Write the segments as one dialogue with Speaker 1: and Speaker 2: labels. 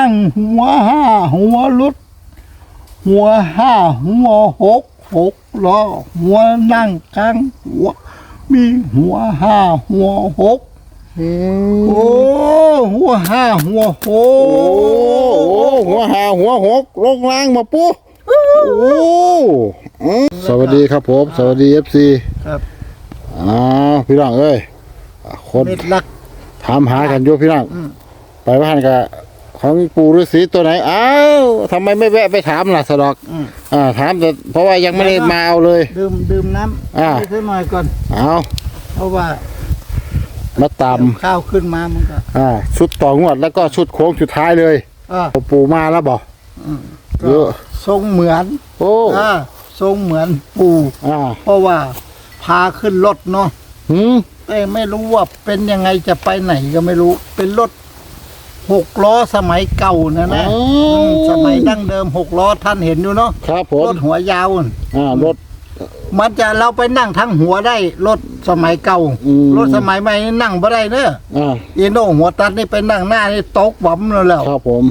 Speaker 1: งหัวห้าหัวรุดหัวห้าหัวหกล้อหัวนั่งกลางหัวมีหัวห้าหัวหกโอ้หัวห้าหัวหก
Speaker 2: หัวหาหัวหกลงล่างมาปุ๊โอ้สวัสดีครับผมสวัสดีFC
Speaker 1: ครับ
Speaker 2: พี่น้องเอ้ยคนถามหากันอยู่พี่น้องไปว่าหันกับของปู่ฤาษีตัวไหนอ้าวทำไมไม่แวะไปถามล่ะสดอกถามแต่เพราะว่ายังไม่ได้มาเอาเลย
Speaker 1: ดื่มน้ำให้สักหน่อยก่อนเพราะว่า
Speaker 2: มาตาม
Speaker 1: ข้าวขึ้นมามันก็
Speaker 2: ชุดต่องวดแล้วก็ชุดโค้งสุดท้ายเลยปู่มาแล้วบอก
Speaker 1: เยอะทรงเหมือนทรงเหมือนปู่เพราะว่าพาขึ้นรถเนาะแต่ไม่รู้ว่าเป็นยังไงจะไปไหนก็ไม่รู้เป็นรถ6 ล้อสมัยเก่านะสมัยดั้งเดิม6 ล้อท่านเห็นอยู่เนาะ
Speaker 2: ครับผม
Speaker 1: รถหัวยาว
Speaker 2: รถ
Speaker 1: มันจะเราไปนั่งทั้งหัวได้รถสมัยเก่ารถสมัยใหม่นี่นั่งไม่ได้เนอะอีโน่หัวตัดนี่ไปนั่งหน้านี่ตกบ่มแล้ว
Speaker 2: ครับผม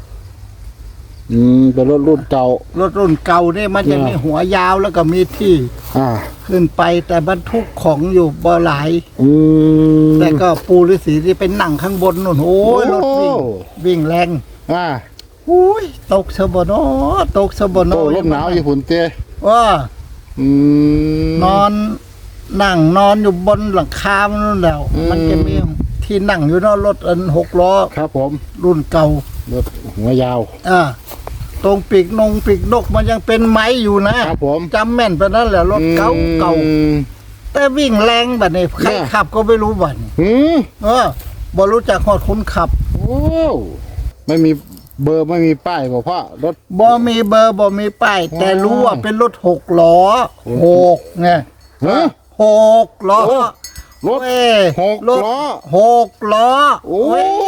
Speaker 2: เป็นรถรุ่นเก่าร
Speaker 1: ถรุ่นเก่านี่มันจะมีหัวยาวแล้วก็มีที่ขึ้นไปแต่บรรทุกของอยู่บ่หลายแต่ก็ปูฤาษีที่เป็นนั่งข้างบนนู่นโอ้ยรถวิ่งแรงอุ้ยตกสบโนตกสบโน
Speaker 2: ลมหนาวญี่ปุ่นเต้
Speaker 1: ว่านอนนั่งนอนอยู่บนหลังคามันนู่นแล้วมันจะมีที่นั่งอยู่เนาะรถ6 ล้อ
Speaker 2: ครับผม
Speaker 1: รุ่นเก่าร
Speaker 2: ถหัวยาว
Speaker 1: ตรงปีกนกมันยังเป็นไม้อยู่นะครับ
Speaker 2: ผม
Speaker 1: จำแม่นไปนั่นแหละรถเก่าแต่วิ่งแรงแบบนี้ใครขับก็ไม่รู้บัดบ่รู้จักหอดคนขับ
Speaker 2: โอ้ไม่มีเบอร์ไม่มีป้ายบอกพ่อรถ
Speaker 1: บ่มีเบอร์บ่มีป้ายแต่รู้ว่าเป็นรถ6 ล้อ6ไง6 ล้อ
Speaker 2: รถ6 ล้อ
Speaker 1: 6 ล้อ
Speaker 2: โอ้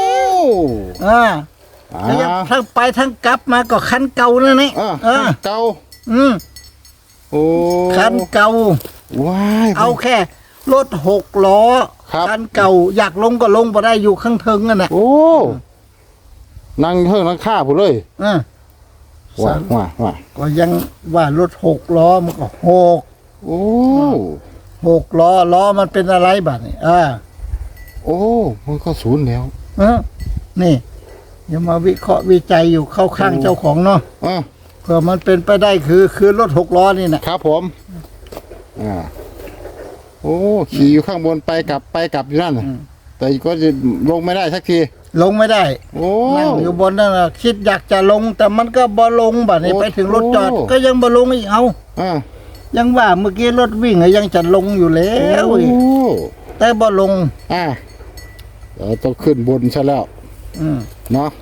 Speaker 1: ทั้งไปทั้งกลับมาก็คันเก่านั่นนี่
Speaker 2: เก่า
Speaker 1: โอ้คันเก่า
Speaker 2: ว้าย
Speaker 1: เอาแค่รถ6 ล้อคันเก่าอยากลงก็ลงบ่ได้อยู่ข้างเทิงนั่นน่ะ
Speaker 2: โอ้นั่งเทิงนั่งข้าผู้เลยว่า
Speaker 1: ก็ยังว่ารถ6 ล้อมันก็
Speaker 2: โอ้
Speaker 1: 6 ล้อมันเป็นอะไรบัดนี่
Speaker 2: โอ้มันก็ศูนย์แล้ว
Speaker 1: นี่อย่ามาวิเคราะห์วิจัยอยู่เข้าข้างเจ้าของเนาะเผื่อมันเป็นไปได้คือรถ6 ล้อนี่นะครับ
Speaker 2: ผมโอ้ขี่อยู่ข้างบนไปกลับอยู่นั่นแต่ก็จะลงไม่ได้สักที
Speaker 1: ลงไม่ได้นั่งอยู่บนนั่นคิดอยากจะลงแต่มันก็บ่ลงบัดนี้ไปถึงรถจอดก็ยังบ่ลงอีกเอายังว่าเมื่อกี้รถวิ่งยังจะลงอยู่แล้วแต่บ่ลง
Speaker 2: ต้องขึ้นบนใช่แล้วเนาะ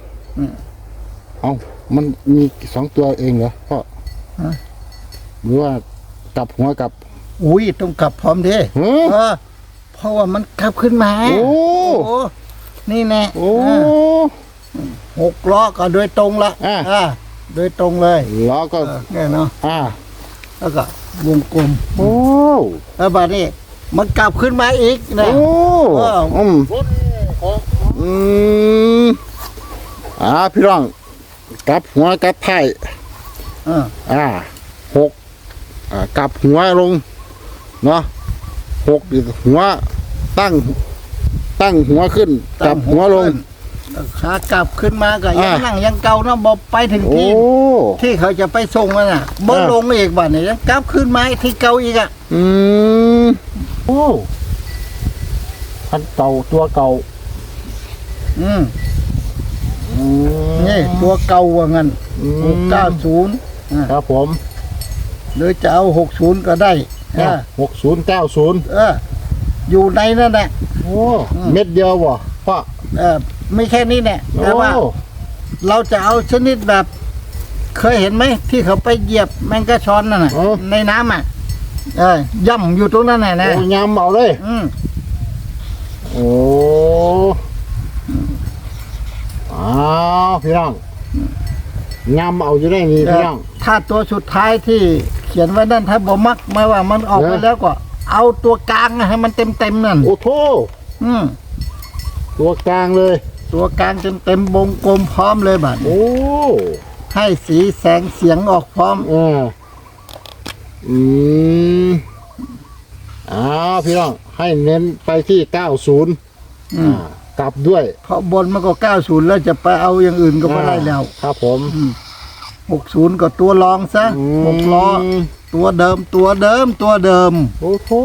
Speaker 2: มันมี2 ตัวเองเหรอพ่อหรือว่ากลับหัวกลับ
Speaker 1: อุ้ยต้องกลับพร้อมดิเพราะว่ามันกลับขึ้นมา
Speaker 2: โอ้
Speaker 1: นี่แน่6 ล้อก็โดยตรงละโดยตรงเลย
Speaker 2: ล้อก็
Speaker 1: เนี่ยเนาะแล้วก็วงกลมแล้วบัดนี้มันกลับขึ้นมาอีกนะ
Speaker 2: พี่น้องกลับหัวกลับท้าย6กลับหัวลงเนาะ6หัวตั้งหัวขึ้นกลับหัวลง
Speaker 1: ขากลับขึ้นมาก็ยังนั่งยังเก่านะบ่ไปถึงที่เขาจะไปส่งมันน่ะบ่ลงอีกบัดนี้ยังกลับขึ้นมาที่เก่าอีก
Speaker 2: โอ้คันเก่าตัวเก่า
Speaker 1: นี่ตัวเก่าว่างั้น690
Speaker 2: ครับผม
Speaker 1: หรือจะเอา60ก็ได้
Speaker 2: 6090
Speaker 1: อยู่ในนั่นแหละ
Speaker 2: โอ้เม็ดเดียวบ่พ่อ
Speaker 1: ไม่แค่นี้แหละแต่ว่าเราจะเอาชนิดแบบเคยเห็นไหมที่เขาไปเหยียบแมงกะชอนนั่นน่ะในน้ำย่ำอยู่ตรงนั้นนะ
Speaker 2: ย่ำเอาเลยโอ้พี่น้องย่ำเอาอยู่ได้นี่พี่น้อง
Speaker 1: ถ้าตัวสุดท้ายที่เขียนไว้นั่นถ้าบ่มักมาว่ามันออกไปแล้วก็เอาตัวกลางให้มันเต็มนั่น
Speaker 2: โอ้โธตัวกลางเลย
Speaker 1: ตัวกลางเต็มวงกลมพร้อมเลยบัด
Speaker 2: โอ้
Speaker 1: ให้สีแสงเสียงออกพร้อม
Speaker 2: อืมพี่น้องให้เน้นไปที่90กลับด้วย
Speaker 1: เพราะบนมันก็90แล้วจะไปเอาอย่างอื่นก็ไม่ได้แล้ว
Speaker 2: ครับผม
Speaker 1: 60ก็ตัวรองซะ6ล้อตัวเดิม
Speaker 2: โอ้โห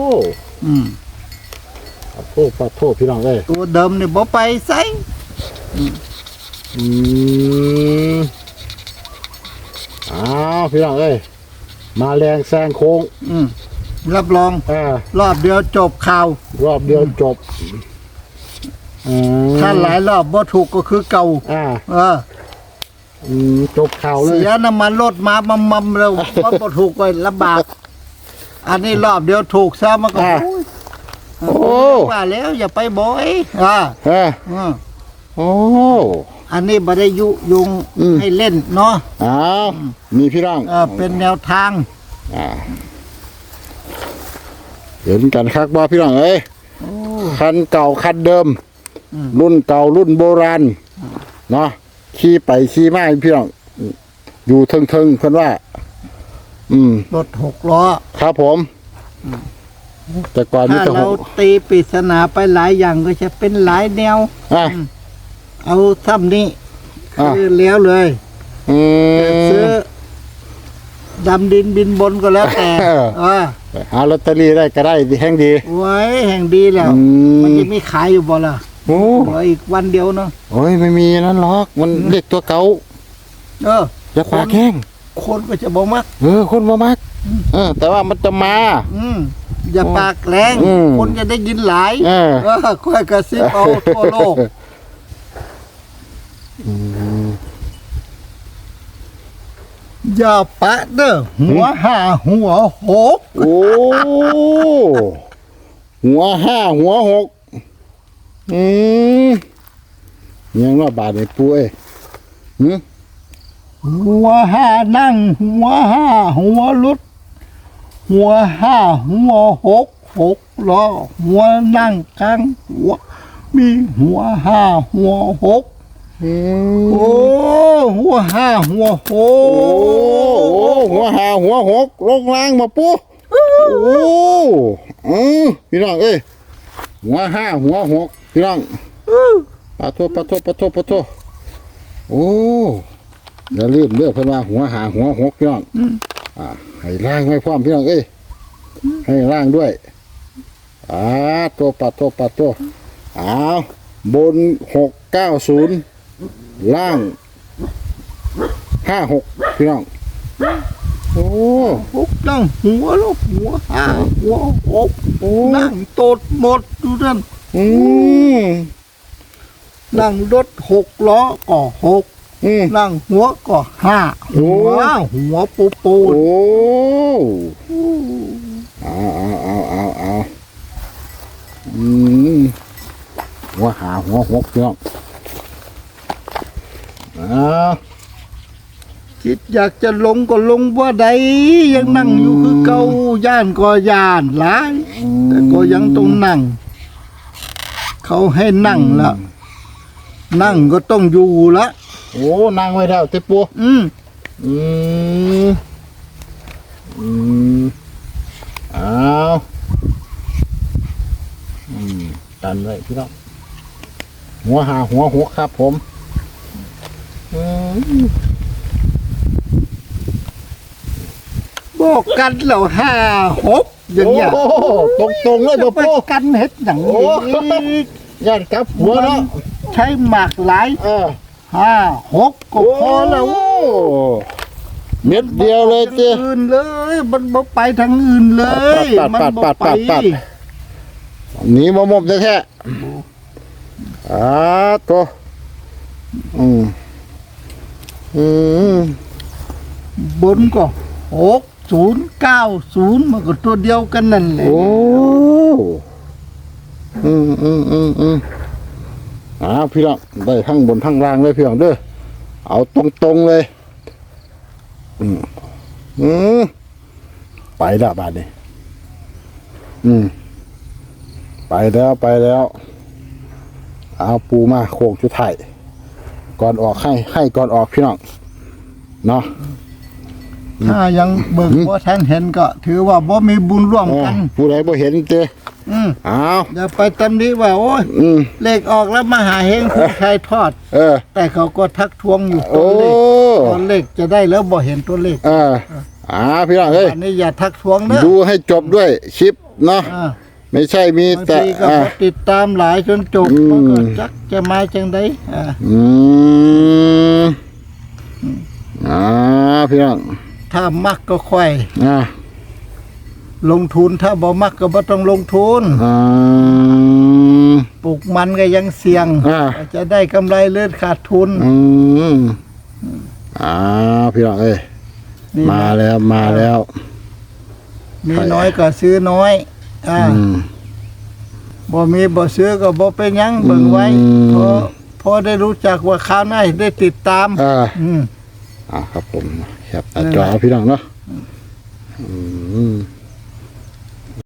Speaker 2: ขอโทษพี่น้องเลย
Speaker 1: ตัวเดิมนี่บ่ไปไส
Speaker 2: พี่น้องเอ้ยมาแรงแซงโค้ง
Speaker 1: รับรองรอบเดียวจบข่าว
Speaker 2: รอบเดียวจบ
Speaker 1: ถ้าหลายรอบบ่ถูกก็คือเก่า
Speaker 2: จบข่าวเลย
Speaker 1: เสียน้ำมันรถมามัมเร็วบ่ถูกก็ลำบาก อันนี้รอบเดียวถูกซะมันก็โอ้ว่าแล้วอย่าไปบ่อย
Speaker 2: โอ้
Speaker 1: อันนี้บ่ได้ยุยงให้เล่นเนาะ
Speaker 2: มีพี่น้อง
Speaker 1: เป็นแนวทาง
Speaker 2: เห็นกันคักบ่พี่น้องเอ้ยคันเก่าคันเดิมรุ่นเก่ารุ่นโบราณเนาะขี่ไปขี่มาพี่น้องอยู่เทิงเพิ่นว่าร
Speaker 1: ถ6 ล้อ
Speaker 2: ครับผมแต่ก่อนมีแต่
Speaker 1: เราตีปริศนาไปหลายอย่างก็จะเป็นหลายแนวเอาซ้ำนี้คือแล้วเลยซื้อดำดินบินบนก็แล้วแต่
Speaker 2: หาลอตเตอรี่ได้ก็ได้แห่งดี
Speaker 1: ไว้แห่งดีแล้วมันจะมีขายอยู่บ่ล่ะอีกวันเดียวเนาะ
Speaker 2: โอ้ยไม่มีนั่นหรอกมันเด็กตัวเก่าจะปากแข้ง
Speaker 1: คนก็จะบ่มัก
Speaker 2: คนบ่มักแต่ว่ามันจะมา
Speaker 1: อย่าปากแรงคนจะได้ยินหลายค่อยกระซิบเอาทั่วโลกอย่าปะเด้อหัว5หัว6
Speaker 2: โอ้หัว5หัว6ยังว่าบาดในปุ้ย
Speaker 1: หัว5นั่งหัว5หัวลุดหัว5หัว6ล้อหัวนั่งกลางหัวมีหัว5หัว6โอ้หัว5หัว6
Speaker 2: หัว5หัว6ลงล่างมาปุ๊พี่น้องเอ้ยหัว5หัว6พี่น้องปะโทโอ้อย่าลืมเลือกเพิ่นว่าหัว5หัว6พี่น้องให้ล่างไว้พร้อมพี่น้องเอ้ยให้ล่างด้วยตัวปะโทบน690ล่าง56พี่น้องโอ้
Speaker 1: นั่งหัวลูกหัว5หัว6นั่งตดหมดดูนั่นนั่งรถ6 ล้อก็6นั่งหัวก็5หัวปู
Speaker 2: โอ้เอาหัว5หัว6พี่น้อง
Speaker 1: คิดอยากจะลงก็ลงว่าใดยังนั่งอยู่คือเก่าย่านก็ย่านหลายแต่ก็ยังต้องนั่งเขาให้นั่งละนั่งก็ต้องอยู่ละ
Speaker 2: โอ้นั่งไว้แล้วเต็ปูตันไว้พี่น้องหัว5หัว6ครับผม
Speaker 1: บอกกันแล้ว5 6อย่างเงี้ย
Speaker 2: ตรงเลย
Speaker 1: ไปกันเฮ็ดอย่างนี้
Speaker 2: ย่านกับหัวเนาะ
Speaker 1: ใช้หมากหลาย5 6ก็พอแล้ว
Speaker 2: เม็ดเดียวเลยเจ้
Speaker 1: อื่นเลยมันบ่ไปทางอื่นเลยมันบ่ไป
Speaker 2: หนีมาหมบแท้ตัว
Speaker 1: บนก็6090มันก็ตัวเดียวกันนั่นแหละ
Speaker 2: พี่น้องได้ทั้งบนทั้งล่างเลยพี่น้องเด้อเอาตรงเลยไปแล้วบาดนี้ไปแล้วเอาปูมาโค้งชุดไทายก่อนออกให้ก่อนออกพี่น้องเนาะ
Speaker 1: ถ้ายังเบิ่งบ่ทันเห็นก็ ถือว่าบ่มีบุญร่วมกัน
Speaker 2: ผู้ใดบ่เห็นเจ้ เอา
Speaker 1: อย่าไปตำหนิว่าโอ้ยเลขออกแล้วมาหาเฮงผู้ชายทอด แต่เขาก็ทักท้วงอยู่
Speaker 2: โอ้
Speaker 1: ตัวเลขจะได้แล้วบ่เห็นตัวเลข
Speaker 2: พี่น้องเอ้ย
Speaker 1: อันนี้อย่าทักท้วงเด้อ
Speaker 2: ดูให้จบด้วยคลิปเนาะ ไม่ใช่มี
Speaker 1: บาง
Speaker 2: แต่
Speaker 1: ทีก็บ่ติดตามหลายจนจบมันก็จักจะมาจังได๋
Speaker 2: พี่น้อง
Speaker 1: ถ้ามักก็ค่อย
Speaker 2: อ่า
Speaker 1: ลงทุนถ้าบ่มักก็บ่ต้องลงทุนปลูกมันก็ยังเสี่ยงจะได้กำไรหรือขาดทุน
Speaker 2: พี่น้องเอ้ยมาแล้ว
Speaker 1: มีน้อยก็ซื้อน้อยบ่มีบ่ซื้อก็บ่เป็นหยังเบิ่งไว้พอได้รู้จักว่าข้าวหน้าได้ติดตาม
Speaker 2: ครับผมแคปหน้าจอพี่น้องเนาะ